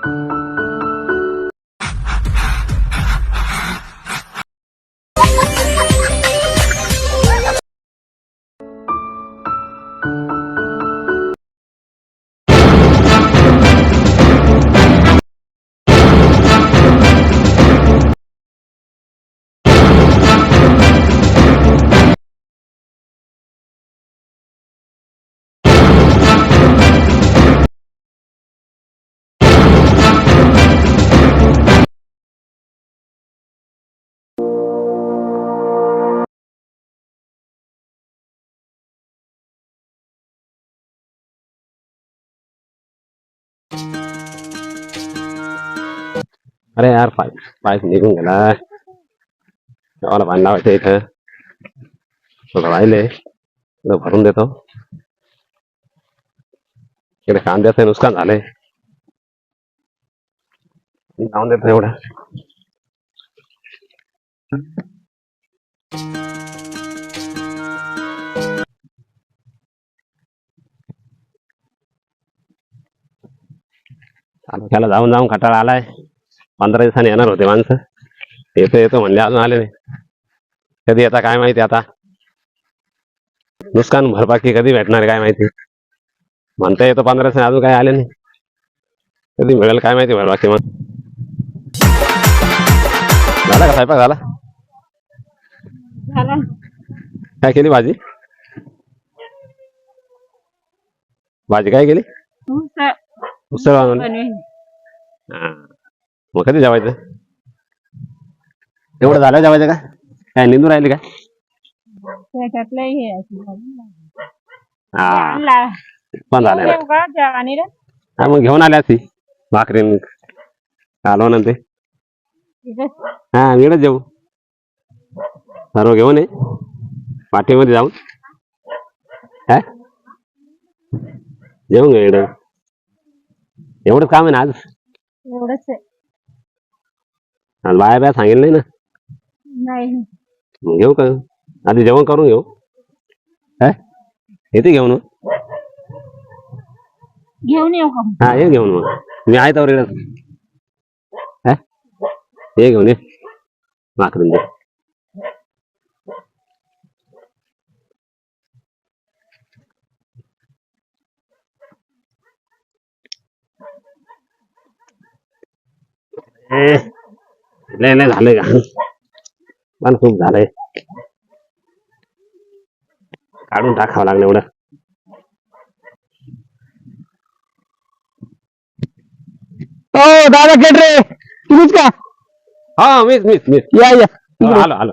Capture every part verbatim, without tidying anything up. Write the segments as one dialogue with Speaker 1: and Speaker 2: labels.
Speaker 1: अरे यार पाय पाईप निघून गेला. गावाला पाणी लावायचं इथं थोडं राहिले, थोडं भरून देतो. इकडे कांद्याचं नुकसान झालंय, लावून देतो एवढं. तालुक्याला जाऊन जाऊन कंटाळा आलाय. पंधरा दिवसांनी येणार होते माणसं, येतो येतो म्हणले अजून आले नाही. कधी येता काय माहिती. आता नुकसान भरपाई कधी भेटणार काय माहिती. म्हणता येतो पंधरा दिवसांनी, अजून काय आले नाही. कधी मिळेल काय माहिती भरपाई. मग झाला का स्वयंपाक? झाला. काय केली भाजी? भाजी काय केली? उसळ बनवली. हा, मग कधी जेवायचं? एवढं झालं जेवायचं का? काय निंदू राहिले का? हा पण झालं. हा मग घेऊन आल्या ती भाकरी कालवण आणि ते. हा इकडे जेऊ सर्व घेऊन ये पाठीमध्ये जाऊन. काय जेवून घे इकडं. एवढंच काम आहे ना आज?
Speaker 2: एवढंच आहे.
Speaker 1: आज बाया बाया सांगेल नाही ना?
Speaker 2: नाही.
Speaker 1: मग घेऊ का? आधी जेवण करून घेऊ. काय येते घेऊन?
Speaker 2: घेऊन येऊ का?
Speaker 1: हा ये घेऊन. मग मी आहे तर इकडं. ये घेऊन ये भाकरीन दे. लय लय झालंय का? पण खूप झालंय, काढून टाकावं लागलं एवढं.
Speaker 3: ओ दादा केटरे, तुम्हीच का?
Speaker 1: हा मीच मीच मीच
Speaker 3: या या
Speaker 1: आलो आलो.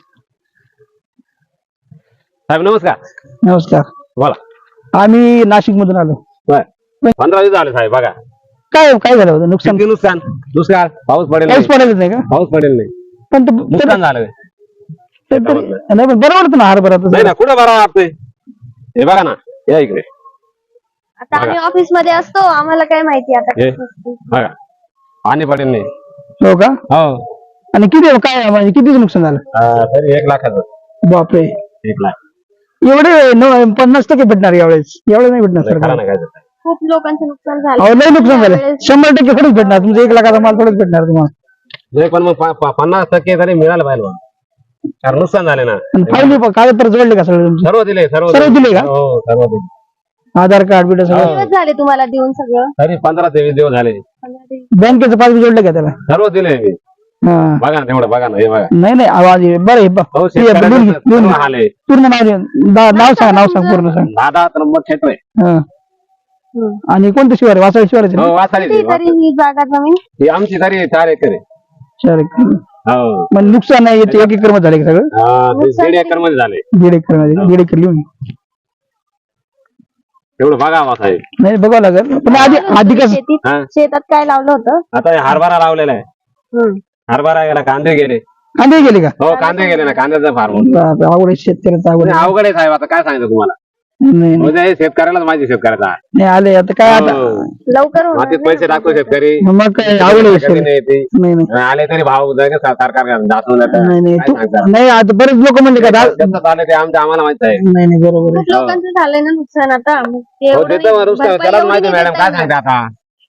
Speaker 1: साहेब नमस्कार.
Speaker 3: नमस्कार.
Speaker 1: बोला.
Speaker 3: आम्ही नाशिक मधून आलो.
Speaker 1: बर पंधरा दिवस झाले साहेब. बघा
Speaker 3: काय काय झालं होतं? नुकसान
Speaker 1: किती नुकसान. दुष्काळ, पाऊस पडेल
Speaker 3: काहीच
Speaker 1: नाही.
Speaker 3: पडायचं नाही का?
Speaker 1: पाऊस पडेल नाही,
Speaker 3: पण ते-
Speaker 1: नुकसान झालं.
Speaker 3: ते- ते- नाही पण बरं वाटतं ना हरभरा
Speaker 1: नाही ना, कुठं बरं वाटतंय. हे बघा ना, या इकडे.
Speaker 2: आता आम्ही ऑफिस मध्ये असतो, आम्हाला काय माहिती आता.
Speaker 1: हे बघा पाणी पडेल नाही.
Speaker 3: हो का?
Speaker 1: हो
Speaker 3: आणि किती काय म्हणजे कितीच नुकसान झालं?
Speaker 1: अं, तरी एक लाखाचं.
Speaker 3: बापरे,
Speaker 1: एक लाख.
Speaker 3: एवढे न- पन्नास टक्के भेटणार यावेळेस. एवढे नाही भेटणार
Speaker 1: खरं
Speaker 3: सर.
Speaker 1: नाही काय झालं.
Speaker 2: खूप लोकांचं नुकसान
Speaker 3: अहो
Speaker 2: झालं.
Speaker 3: लय नुकसान झालं. शंभर टक्के खरंच भेटणार. तुमचं एक लाखाचा माल थोडंच भेटणार तुम्हाला.
Speaker 1: नाही पण मग प- प- पन्नास टक्के तरी मिळालं पाहिजे बा. कारण नुकसान झाले ना.
Speaker 3: आणि फायली कागदपत्र जोडले का सगळे तुमचे?
Speaker 1: सर्व दिले सर्व
Speaker 3: सर्व दिले का?
Speaker 1: हो सर्व दिले.
Speaker 3: आधार कार्ड बिट सगळं?
Speaker 2: किती दिवस झाले तुम्हाला देऊन सगळं?
Speaker 1: तरी पंधरा ते वीस दिवस झाले.
Speaker 3: बँकेचं पासबुक जोडलं का त्याला?
Speaker 1: सर्व दिले मी.
Speaker 3: हा.
Speaker 1: बघा ना तेवढं, बघा ना हे बघा.
Speaker 3: नाही नाही आवाज आहे. बरं आहे बा.
Speaker 1: हो
Speaker 3: हे लिहून घे, लिहून
Speaker 1: शेतकऱ्यांचं
Speaker 3: घे.
Speaker 1: सर्व हाल आहे.
Speaker 3: पूर्ण नाव लिहून. दा- नाव सांग, नाव सांग पूर्ण सांग.
Speaker 1: दादा त्र्यंबक क्षेत्र आहे.
Speaker 3: हा. आणि कोणतं शिवार आहे? वासाळी शिवार आहे?
Speaker 1: हो वासाळी
Speaker 2: किती तरी ही जागा जमीन?
Speaker 1: ही आमची तरी चार एकर आहे.
Speaker 3: चार एकर.
Speaker 1: हो
Speaker 3: मग नुकसान नाही येते. एक एकर मध्ये झाले का सगळं?
Speaker 1: हा, ते दीड एकर मध्ये झाले.
Speaker 3: दीड एकर मध्ये. दीड एकर लिहून घे.
Speaker 1: तेवढं बघा बा साहेब.
Speaker 3: नाही बघावं लागेल. पण आधी आधी कसं?
Speaker 2: शेतीत
Speaker 1: हा.
Speaker 2: शेतात काय लावलं होतं?
Speaker 1: आता हे हरभरा लावलेला आहे.
Speaker 2: हम्म.
Speaker 1: हरभरा गेला, कांदे गेले.
Speaker 3: कांदे गेले का?
Speaker 1: हो कांदे गेले ना, कांद्याचा फार मोठा.
Speaker 3: बापरे, अवघड आहे शेतकऱ्याचं. अवघड आहे.
Speaker 1: अवघड आहे साहेब. आता काय सांगायचं तुम्हाला.
Speaker 3: नाही नाही.
Speaker 1: म्हणजे हे शेतकऱ्यालाच माहिती शेतकऱ्याचा.
Speaker 3: नाही आले आता काय आता?
Speaker 1: हो.
Speaker 2: लवकर होणार
Speaker 1: मातीत
Speaker 2: नाही.
Speaker 1: पैसे टाकतो शेतकरी.
Speaker 3: मग काय अवघड आहे
Speaker 1: कधी
Speaker 3: शेत-
Speaker 1: नाही येते.
Speaker 3: नाही नाही
Speaker 1: आले तरी भाव जाईल सरकार दाखवून देतं.
Speaker 3: नाही नाही
Speaker 1: काय
Speaker 3: तू
Speaker 1: सांगता?
Speaker 3: नाही आता बरेच लोक म्हणले का दा-
Speaker 1: ज्यांचं झालं ते आमचं आम्हाला माहित आहे.
Speaker 3: नाही नाही बरोबर आहे.
Speaker 2: खूप लोकांचं झालंय ना नुकसान आता. मग ते
Speaker 1: हो
Speaker 2: एवढं
Speaker 1: देतो
Speaker 2: नाही-
Speaker 1: नुसतं
Speaker 2: भरपाई
Speaker 1: त्यालाच
Speaker 2: एवढी
Speaker 1: माहिती
Speaker 2: नाही
Speaker 1: मॅडम.
Speaker 2: देता
Speaker 1: काय
Speaker 2: येणार.
Speaker 1: सांगते आता.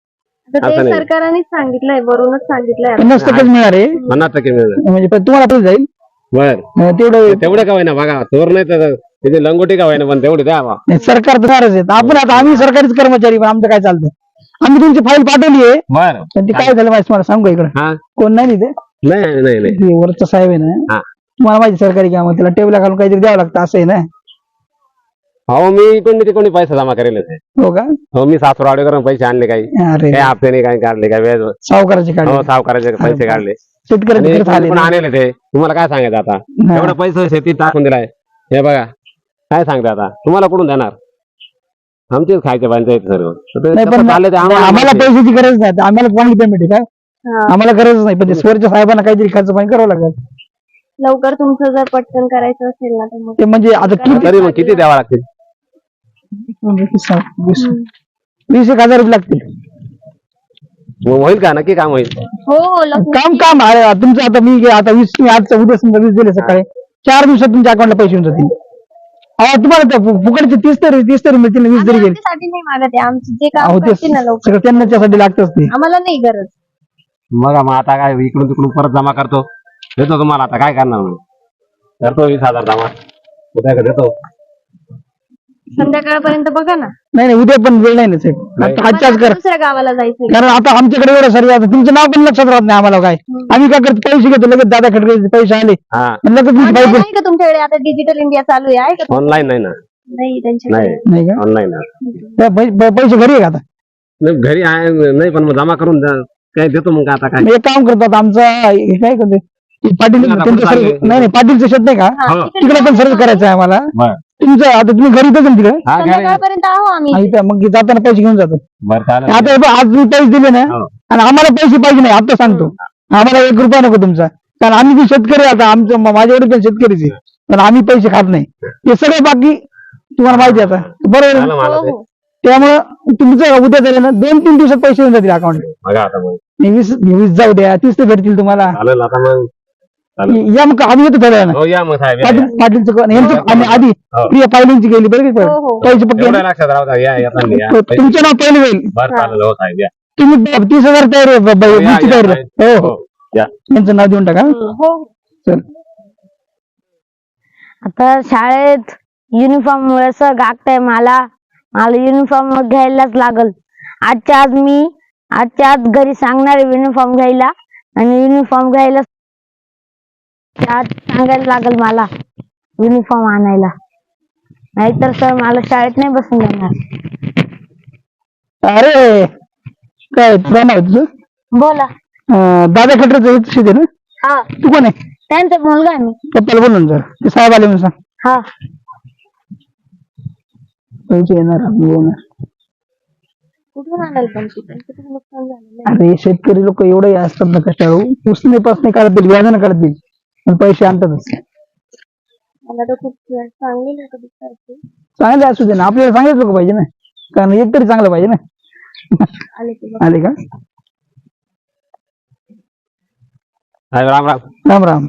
Speaker 2: तर
Speaker 1: असं
Speaker 2: ते
Speaker 1: नाही.
Speaker 2: सरकारनेच सांगितलंय, वरूनच सांगितलंय.
Speaker 3: पन्नास टक्केच मिळणार आहे
Speaker 1: पन्नास टक्के मिळणार
Speaker 3: म्हणजे पण तुम्हाला पण जाईल
Speaker 1: बर
Speaker 3: अं, तेवढं
Speaker 1: तेवढं का होईना बघा चोर नाही तर तिथे लंगोटी का होईना पण तेवढी द्या बा.
Speaker 3: नाही, सरकार तर नाराज आहेत आपण आता आम्ही सरकारीच कर्मचारी पण आमचं काय चालतं आम्ही तुमची फाईल पाठवली आहे
Speaker 1: बर
Speaker 3: पण ते काय झालं माहिती मला सांगू इकडे
Speaker 1: हा
Speaker 3: कोण नाही तिथे
Speaker 1: नाही नाही नाही
Speaker 3: ते वरचा साहेब आहे ना
Speaker 1: हा.
Speaker 3: तुम्हाला माहिती सरकारी काम त्याला टेबला घालून काहीतरी द्यावं लागतं असं आहे ना
Speaker 1: हो मी इकडून तिकडून पैसे जमा करेल ते.
Speaker 3: हो का
Speaker 1: हो मी सासरवाडी करून पैसे आणले काही
Speaker 3: अरे
Speaker 1: काही हप्त्याने काही काढले काही व्याज
Speaker 3: सावकाराची काढली
Speaker 1: हो सावकाराचे पैसे काढले
Speaker 3: शेतकऱ्याचे
Speaker 1: आणि
Speaker 3: खर्च आले
Speaker 1: पण आणले ते तुम्हाला काय सांगायचं आता
Speaker 3: हा.
Speaker 1: एवढा पैसे शेतीत टाकून दिलाय हे बघा काय सांगता आता तुम्हाला कुठून देणार आमचेच खायचे पंचायत सर्व तर ते
Speaker 3: नाही
Speaker 1: कसं
Speaker 3: पण
Speaker 1: चाललंय ते आम्हाला
Speaker 3: आम्हाला
Speaker 1: माहिती आहे.
Speaker 3: पैशाची गरज नाही आता आम्हाला चांगली पेमेंट आहे का
Speaker 2: हा.
Speaker 3: आम्हाला गरज नाही पण ते स्वरच्या साहेबांना काहीतरी खर्च पाणी करावं लागेल
Speaker 2: लवकर तुमचं जर पटकन करायचं असेल ना तर मग
Speaker 3: ते म्हणजे आता किती
Speaker 1: तरी मग किती द्यावा लागतील
Speaker 3: वीस
Speaker 2: हम्म.
Speaker 3: वीस एक हजार रुपये लागतील
Speaker 1: मग होईल का नक्की काम होईल
Speaker 2: हो हो लवकर.
Speaker 3: काम काम अरे तुमचं आता मी आता वीस मी आज उद्या समजा वीस दिले सकाळी चार दिवसात तुमच्या अकाउंटला पैसे येऊन जातील अहो तुम्हाला त्या फु- फुकटचे तीस तरी तीस तरी मिळतील ना, वीस जरी
Speaker 2: आम्ही
Speaker 3: गेले
Speaker 2: आमच्यासाठी नाही मागत आहे, आमचं जे
Speaker 3: अहो
Speaker 2: काम
Speaker 3: ते
Speaker 2: करतील ना लवकर
Speaker 3: सगळं त्यांना त्यासाठी लागतच ते
Speaker 2: आम्हाला नाही गरज.
Speaker 1: बघा मग आता काय इकडून तिकडून परत जमा करतो देतो तुम्हाला आता काय करणार मग करतो वीस हजार जमा उद्या का देतो
Speaker 2: संध्याकाळपर्यंत बघा ना.
Speaker 3: नाही नाही उद्या पण वेळ नाही ना साहेब
Speaker 1: नाही.
Speaker 3: आता आजच्याच
Speaker 2: आम्हाला
Speaker 3: कर
Speaker 2: दुसऱ्या गावाला जायचंय.
Speaker 3: कारण आता आमच्याकडे एवढं सर्व आता तुमचं नाव पण लक्षात राहत नाही आम्हाला काय आम्ही काय करतो पैसे घेतो लगेच दादा खडके पैसे आले
Speaker 1: हा
Speaker 3: आणि लगेच तुमची
Speaker 2: Online
Speaker 3: बाईक
Speaker 2: आहे का तुमच्याकडे आता डिजिटल इंडिया चालू आहे आहे का तुमच्याकडे?
Speaker 1: ऑनलाईन नाही ना
Speaker 2: नाही त्यांच्याकडे.
Speaker 1: नाही
Speaker 3: नाही का
Speaker 1: ऑनलाईन
Speaker 3: त्या पै- पै- पैसे घरी आहे का आता
Speaker 1: घरी आहे नाही पण मग जमा करून द्या. काय देतो मग आता काय
Speaker 3: मग एक काम करतात आमचं हे काय करते ते पाटील
Speaker 1: आता
Speaker 3: त्यांचं
Speaker 1: पुढं
Speaker 3: सर्व
Speaker 1: चाललंय.
Speaker 3: नाही नाही पाटीलचं शेत नाही का
Speaker 2: हा,
Speaker 1: हो.
Speaker 2: तिकडे
Speaker 3: तिकडे पण सर्व करायचं आहे आम्हाला
Speaker 1: बर
Speaker 3: तुमचं आता तुम्ही घरी येतो ना तिकडे
Speaker 1: हा घरी
Speaker 2: संध्याकाळपर्यंत आहो आम्ही.
Speaker 3: हा, इथं मग जाताना पैसे घेऊन जातो
Speaker 1: बर चालेल
Speaker 3: आता हे बघ, आज मी पैसे दिले ना
Speaker 1: हो.
Speaker 3: आणि आम्हाला पैसे पाहिजे नाही आता सांगतो आम्हाला एक रुपया नको तुमचा कारण आम्ही बी शेतकरी आता आमचं म- माझ्या वडील पण शेतकरीच आहे. पण आम्ही पैसे खात नाही हे सगळं बाकी तुम्हाला माहिती आहे आता बरोबर आहे
Speaker 1: झालं
Speaker 3: ना?
Speaker 1: मला
Speaker 2: हो,
Speaker 1: ते.
Speaker 2: हो.
Speaker 3: त्यामुळं तुमचं उद्या झालं ना दोन तीन दिवसात पैसे येऊन जातील अकाउंट
Speaker 1: बघा आता मग
Speaker 3: वीस वीस जाऊ द्या तीस तर भेटतील तुम्हाला
Speaker 1: चालेल आता मग चालेल
Speaker 3: या मग आम्ही येतो थोड्या वेळानं.
Speaker 1: हो या मग साहेब या,
Speaker 3: पाटील
Speaker 1: या.
Speaker 3: पाटीलचं कोण- यांचं आणि आधी
Speaker 1: हो.
Speaker 3: प्रिया पायलींची गेली बरं का
Speaker 2: हो, हो.
Speaker 3: पैसे पक्के
Speaker 1: एवढं लक्षात राहू द्या या येताना या
Speaker 3: तुमचं नाव पहिलं होईल
Speaker 1: बर चालेल हो साहेब या
Speaker 3: तुम्ही तीस हजार तयार आहे, ब- ब-
Speaker 1: हो, या,
Speaker 3: वीसची
Speaker 1: या,
Speaker 3: तयारी आहे. हो हो
Speaker 1: हो या
Speaker 3: यांचं नाव देऊन टाका
Speaker 2: हो
Speaker 3: चल
Speaker 4: आता शाळेत युनिफॉर्म मुळे असं गागताय मला मला युनिफॉर्म घ्यायलाच लागल आजच्या आज मी आजच्या आज घरी सांगणार युनिफॉर्म घ्यायला आणि युनिफॉर्म घ्यायला आज सांगायला लागल मला युनिफॉर्म आणायला नाहीतर सर मला शाळेत नाही बसून देणार.
Speaker 3: अरे काय तुला नाव आहे तुझं
Speaker 4: बोला.
Speaker 3: अं, दादा खटरेचं शेत आहे ना
Speaker 4: हा
Speaker 3: तू कोण आहे
Speaker 4: त्यांचा मुलगा आहे मी.
Speaker 3: पप्पाला बोलून जर ते साहेब आले म्हणून सांग
Speaker 4: हा
Speaker 3: पैसे येणार आम्ही येणार
Speaker 2: कुठून आणाल पण तू? त्यांचं खूप नुकसान झालेलं आहे.
Speaker 3: अरे शेतकरी लोक एवढे असतात ना कशाळू उसने पासने काढतील व्याजाने काढतील पण पैसे आणतातच
Speaker 2: मला तर खूप चांगली लोक दिसतात.
Speaker 3: चांगले असू दे ना आपल्याला चांगलेच लोक पाहिजे ना कारण एक तरी चांगलं पाहिजे ना
Speaker 2: आले ते
Speaker 3: आले का
Speaker 1: साहेब राम राम
Speaker 3: राम राम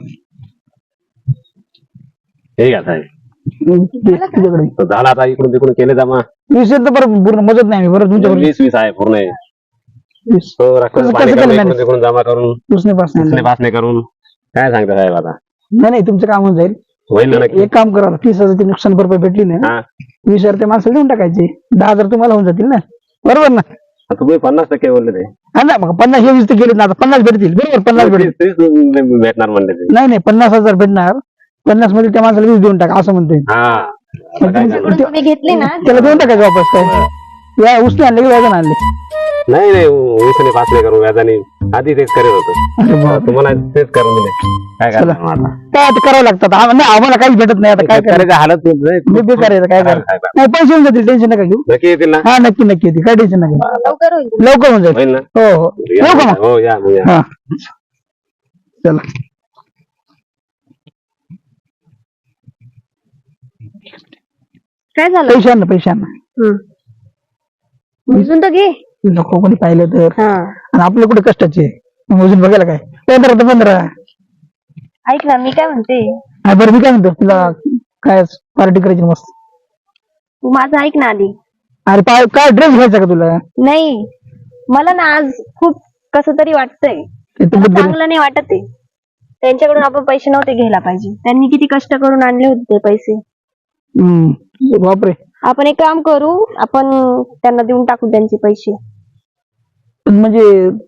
Speaker 1: ठीक आहे साहेब
Speaker 3: ते तुझ्याकडे
Speaker 1: तर झाला आता इकडून तिकडून केले जमा
Speaker 3: वीस तर बरं पूर्ण मजत नाही आम्ही बरं तुमच्याकडे
Speaker 1: वीस वीस आहे पूर्ण आहे.
Speaker 3: वीस
Speaker 1: हो रक्कम
Speaker 3: कसं-
Speaker 1: पाणी
Speaker 3: कसं
Speaker 1: करून
Speaker 3: केलं
Speaker 1: इकडून
Speaker 3: मॅनेज?
Speaker 1: तिकडून जमा करून
Speaker 3: उसने पासने
Speaker 1: उसने पासने करून काय सांगता साहेब आता
Speaker 3: नाही नाही तुमचं काम होऊन जाईल
Speaker 1: होईल ना नक्की
Speaker 3: एक काम करा तीस हजारची नुकसान भरपाई भेटली ना
Speaker 1: हा
Speaker 3: वीस हजार त्या माणसाला देऊन टाकायचे दहा हजार तुम्हाला होऊन जातील ना बरोबर ना
Speaker 1: तुम्ही पन्नास टक्के बोलले ते
Speaker 3: हा ना मग पन्नास हे वीस तर गेले ना आता पन्नास भेटतील बरोबर पन्नास भेटतील
Speaker 1: तीस- तीस भेटणार म्हणले ते
Speaker 3: नाही नाही पन्नास हजार भेटणार पन्नास मध्ये त्या माणसाला वीस देऊन टाका असं म्हणतोय
Speaker 1: हा आता काय करणार?
Speaker 2: तिकडून तुम्ही घेतले ना
Speaker 3: त्याला देऊन टाकायचं वापस काय या उसने आणले की व्याजाने आणले
Speaker 1: नाही नाही उसने पासने करून व्याजाने आधी तेच करत होतो
Speaker 3: अरे बाप.
Speaker 1: तुम्हाला तेच करून दिले काय
Speaker 3: चला.
Speaker 1: करणार मग आता?
Speaker 3: काय आता करावं लागतं आता आम्हाला आम्हाला काहीच भेटत नाही आता काय करायचं
Speaker 1: शेतकऱ्याची हालत नाही.
Speaker 3: बे- बेकार आहे आता काय
Speaker 1: काय
Speaker 3: करायचं
Speaker 1: करणार?
Speaker 3: नाही पैसे होऊन जातील टेन्शन नका घेऊ
Speaker 1: नक्की येतील ना
Speaker 3: हा नक्की नक्की येतील काय टेन्शन नका घेऊ.
Speaker 2: लवकर होईल.
Speaker 3: लवकर होऊन जाईल
Speaker 1: होईल ना
Speaker 3: हो हो
Speaker 1: या
Speaker 3: येऊ का
Speaker 1: मग.
Speaker 3: मग
Speaker 1: हो या मग या
Speaker 3: हा चला
Speaker 2: काय झालं?
Speaker 3: पैसे आण ना पैसे आण ना
Speaker 2: हम्म. मोजून तर घे.
Speaker 3: नको कोणी पाहिलं तर
Speaker 2: हा
Speaker 3: आणि आपलं कुठे कष्टाचे मोजून बघायला काय पंधरा तर पंधरा
Speaker 2: ऐक ना मी काय म्हणते
Speaker 3: हा बरं मी काय म्हणतो तुला काय पार्टी करायची मस्त
Speaker 2: तू माझं ऐक ना आधी.
Speaker 3: अरे काय काय ड्रेस घ्यायचा का तुला
Speaker 2: नाही मला ना आज खूप कसं तरी वाटतंय, मला
Speaker 3: त्याच्याबद्दल
Speaker 2: चांगलं नाही वाटत आहे. त्यांच्याकडून आपण पैसे नव्हते घ्यायला पाहिजे. त्यांनी किती कष्ट करून आणले होते ते पैसे.
Speaker 3: हम्म, बापरे.
Speaker 2: आपण एक काम करू, आपण त्यांना देऊन टाकू त्यांचे पैसे.
Speaker 3: पण म्हणजे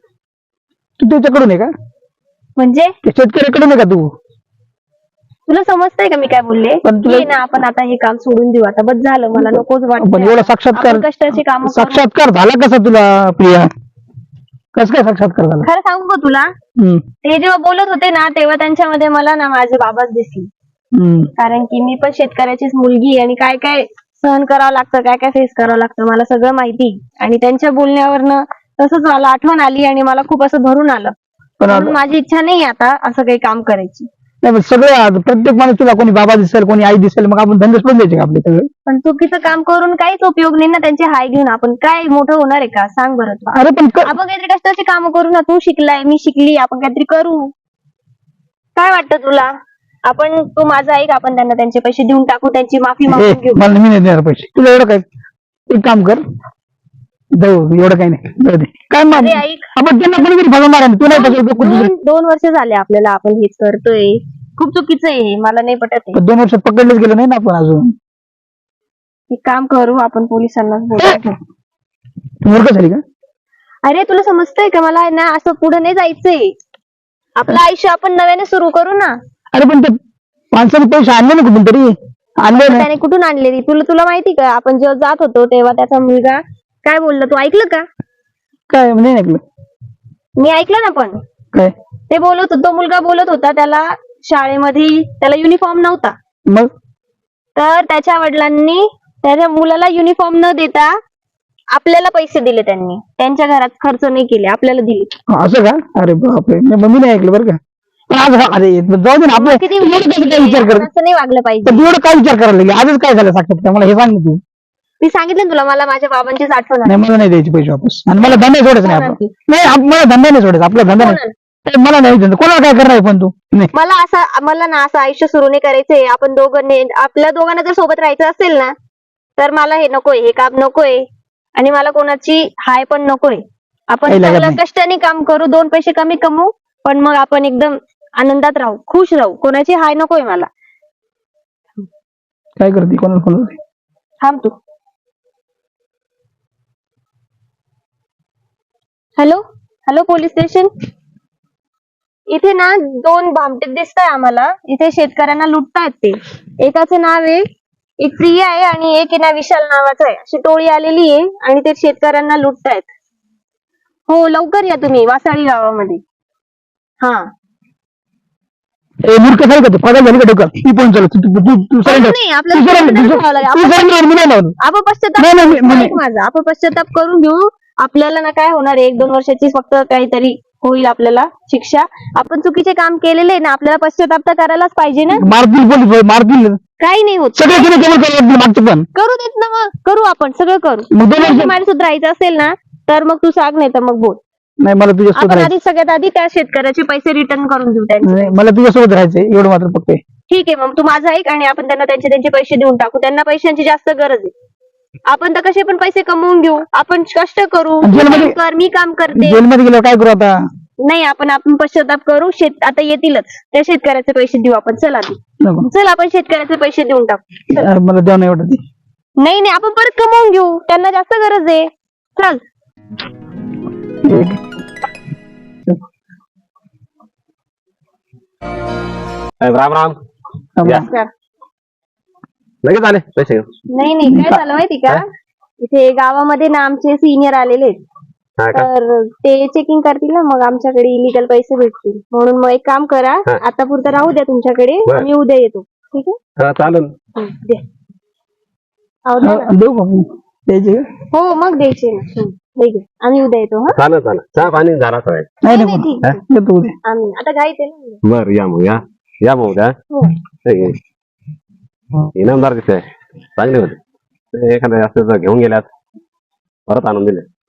Speaker 3: तू त्याच्याकडून आहे का?
Speaker 2: म्हणजे
Speaker 3: त्या शेतकऱ्याकडून आहे का तू?
Speaker 2: तुला समजतंय का मी काय बोलले?
Speaker 3: पण तुला-
Speaker 2: ये ना, आपण आता हे काम सोडून देऊ. आता बस झालं, मला नकोच
Speaker 3: पण
Speaker 2: वाटत.
Speaker 3: एवढा साक्षात्कार
Speaker 2: आपण कष्टाचे काम
Speaker 3: साक्षात्कार झाला कसा तुला प्रिया? कस काय साक्षात्कार झाला?
Speaker 2: खरं सांगू का तुला,
Speaker 3: हम्म,
Speaker 2: ते जेव्हा बोलत होते ना तेव्हा त्यांच्यामध्ये मला ना माझे बाबाच दिसले.
Speaker 3: हम्म.
Speaker 2: कारण की मी पण शेतकऱ्याचीच मुलगी आणि काय काय सहन करावं लागतं, काय काय फेस करावं लागतं मला सगळं माहिती. आणि त्यांच्या बोलण्यावरनं तसंच मला आठवण आली आणि मला खूप असं भरून आलं.
Speaker 3: पण
Speaker 2: म्हणून
Speaker 3: आता-
Speaker 2: माझी इच्छा नाही आता असं काही काम करायची.
Speaker 3: नाही पण सगळे आज प्रत्येक माणूस तुला कोणी बाबा दिसेल, कोणी आई दिसेल, मग आपण धंदे सोडून द्यायचे का आपले सगळे?
Speaker 2: पण चुकीचं काम करून काहीच उपयोग नाही ना. त्यांचे हाय घेऊन आपण काय मोठं होणार आहे का? सांग बरं तू.
Speaker 3: अरे पण क-
Speaker 2: आपण काहीतरी कष्टाची कामं करू ना. तू शिकलाय, मी शिकली, आपण काहीतरी करू. काय वाटतं तुला? आपण तू माझा ऐक, आपण त्यांना त्यांचे पैसे देऊन टाकू, त्यांची माफी
Speaker 3: ए,
Speaker 2: मागून घेऊ.
Speaker 3: मला मी नाही देणार पैसे. तुला एवढं काय, एक काम कर, जाऊ एवढं काही नाही, जाऊ दे. काय मग
Speaker 2: अरे ऐक,
Speaker 3: आपण त्यांना कोणीतरी फसवणार आहे, तू नाही फसवतो कोण दुसरं.
Speaker 2: दोन दोन वर्ष झाले आपल्याला, आपण हेच करतोय. खूप चुकीचं आहे हे, मला नाही पटत आहे.
Speaker 3: पण दोन वर्षात पकडलेच गेलो नाही ना आपण अजून.
Speaker 2: एक काम करू, आपण पोलिसांना बोलू.
Speaker 3: तू मूर्ख झाली का?
Speaker 2: अरे तुला समजतंय का, मला आहे ना असं पुढे नाही जायचंय. आपलं आयुष्य आपण नव्याने सुरू करू ना.
Speaker 3: अरे पण ते माणसाने पैसे आणले ना कुठून तरी, आणले ना.
Speaker 2: त्याने कुठून आणलेली तुला तुला माहिती का? आपण जेव्हा जात होतो तेव्हा त्याचा मुलगा काय बोलला, तू ऐकलं का?
Speaker 3: काय नाही ऐकलं.
Speaker 2: मी ऐकलं ना. पण
Speaker 3: काय
Speaker 2: ते बोलत होता, तो मुलगा बोलत होता त्याला शाळेमध्ये त्याला युनिफॉर्म नव्हता,
Speaker 3: मग?
Speaker 2: तर त्याच्या वडिलांनी त्याच्या मुलाला युनिफॉर्म न देता आपल्याला पैसे दिले. त्यांनी त्यांच्या घरात खर्च नाही केले, आपल्याला दिले.
Speaker 3: असं का? अरे बापरे, नाही, मग मी नाही ऐकलं बरं का. पण आज हा- अरे जाऊ दे ना आपलं.
Speaker 2: किती
Speaker 3: तू एवढं कसं काय विचार कर,
Speaker 2: असं नाही वागलं पाहिजे.
Speaker 3: पण तू एवढं काय विचार करायला लागली? आजच काय झालं साक्षात मला हे सांग ना तू.
Speaker 2: मी सांगितलं ना तुला, मला माझ्या बाबांचीच आठवण आली.
Speaker 3: नाही मला नाही द्यायचे पैसे वापस, आणि मला धंदा सोडायचा नाही आपला. नाही आप- मला धंदा नाही सोडायचा, आपला धंदा नाही. नाही, मला नाही धंदा. कोणाला काय करणार आहे पण तू नाही.
Speaker 2: मला असं मला ना असं आयुष्य सुरू नाही करायचंय. आपण दोघांनी आपल्या दोघांना जर सोबत राहायचं असेल ना, तर मला हे नकोय, हे काम नकोय, आणि मला कोणाची हाय पण नकोय. आपण
Speaker 3: काही लागत
Speaker 2: चांगलं
Speaker 3: नाही.
Speaker 2: कष्टाने काम करू, दोन पैसे कमी कमवू, पण मग आपण एकदम आनंदात राहू, खुश राहू. कोणाची हाय नकोय मला.
Speaker 3: काय करते, कोणाला फोन करते?
Speaker 2: थांब तू. Hello hello police station. इथे ना दोन भामटे दिसत आहे आम्हाला. इथे शेतकऱ्यांना लुटतायत ते. एकाचं नाव आहे, एक प्रिया आहे आणि एक आहे ना विशाल नावाचं आहे. अशी टोळी आलेली आहे आणि ते शेतकऱ्यांना लुटतायत. हो लवकर या तुम्ही वासाळी गावामध्ये. हा
Speaker 3: ए मूर्ख झाली का तू? पागल झाली का डोक्यात? ती पण चालू तू तू- तू तू surrender.
Speaker 2: नाही,
Speaker 3: तू
Speaker 2: आपल्याला
Speaker 3: surrender.
Speaker 2: surrender
Speaker 3: तू-
Speaker 2: करावं लागेल.
Speaker 3: तू
Speaker 2: आपण-
Speaker 3: surrender, मी नाही लावलं.
Speaker 2: आपण पश्चाताप
Speaker 3: नाही, नाही, मी-
Speaker 2: ऐक माझं, आपण पश्चाताप करून घेऊ. आपल्याला ना काय होणार आहे, एक दोन वर्षाची फक्त काहीतरी होईल आपल्याला शिक्षा. आपण चुकीचे काम केलेले आहे ना, आपल्याला पश्चाताप तर करायलाच पाहिजे ना.
Speaker 3: मारतील पोलीस, मारतील
Speaker 2: काही नाही होत.
Speaker 3: सगळे जुने केवळ करायला मागचं पण.
Speaker 2: करू देत ना, मग करू आपण सगळं करू.
Speaker 3: मग दोन वर्ष-
Speaker 2: माणूस राहायचं असेल ना, तर मग तू सांग, नाही तर मग बोल.
Speaker 3: नाही मला तुझ्यासोबत
Speaker 2: आपण
Speaker 3: राहायचं.
Speaker 2: आधी सगळ्यात आधी त्या शेतकऱ्याचे पैसे रिटर्न करून देऊ त्यांचे.
Speaker 3: नाही मला तुझ्यासोबत राहायचंय, एवढं मात्र पक्क आहे.
Speaker 2: ठीक आहे, मग तू माझा ऐक आणि आपण त्यांना त्यांचे त्यांचे पैसे देऊन टाकू. त्यांना पैशांची जास्त गरज आहे. आपण तर कसे पण पैसे कमवून घेऊ. आपण कष्ट करू,
Speaker 3: आणि
Speaker 2: तू
Speaker 3: जेलमध्ये-
Speaker 2: काम कर, मी काम करते.
Speaker 3: जेलमध्ये गेल्यावर काय करू आता?
Speaker 2: नाही, आपण आपण पश्चाताप करू. शेत आता येतीलच, त्या शेतकऱ्याचे पैसे देऊ आपण. चल आधी
Speaker 3: नको.
Speaker 2: चल, आपण शेतकऱ्याचे पैसे देऊन टाकू.
Speaker 3: यार, मला द्यावं नाही वाटत ते.
Speaker 2: नाही नाही, आपण परत कमवून घेऊ. त्यांना जास्त गरज आहे. चल.
Speaker 3: एक-
Speaker 1: राम राम. या.
Speaker 2: नमस्कार.
Speaker 1: लगेच आले पैसे घेऊन.
Speaker 2: नाही नाही, काय झालं माहिती का, इथे गावामध्ये ना आमचे सिनियर आलेले आहेत.
Speaker 1: हा का?
Speaker 2: तर ते चेकिंग करतील ना, मग आमच्याकडे इलिगल पैसे भेटतील. म्हणून मग एक काम करा,
Speaker 1: हा.
Speaker 2: आता पुरतं राहू द्या तुमच्याकडे.
Speaker 1: बरं.
Speaker 2: आम्ही उद्या येतो. ठीक आहे.
Speaker 1: हा चालेल.
Speaker 2: हं, द्या. अहो, द्या ना.
Speaker 3: हा, देऊ का द्यायचे का?
Speaker 2: हो मग द्यायचे ना. हं, हे घे. आम्ही उद्या येतो. हा
Speaker 1: चालेल चालेल. चहा पाणी झाला सगळं.
Speaker 3: नाही
Speaker 2: नाही,
Speaker 3: नको.
Speaker 2: ठीक आहे.
Speaker 3: देतो उद्या.
Speaker 2: आम्ही आता घाईत आहे ना उद्या.
Speaker 1: बर या मग या या मग उद्या.
Speaker 2: हो.
Speaker 1: हे घे. इनामदार कसे आहे, चांगले होते. ते एखाद्या जास्त घेऊन गेल्यात परत आणून दिले.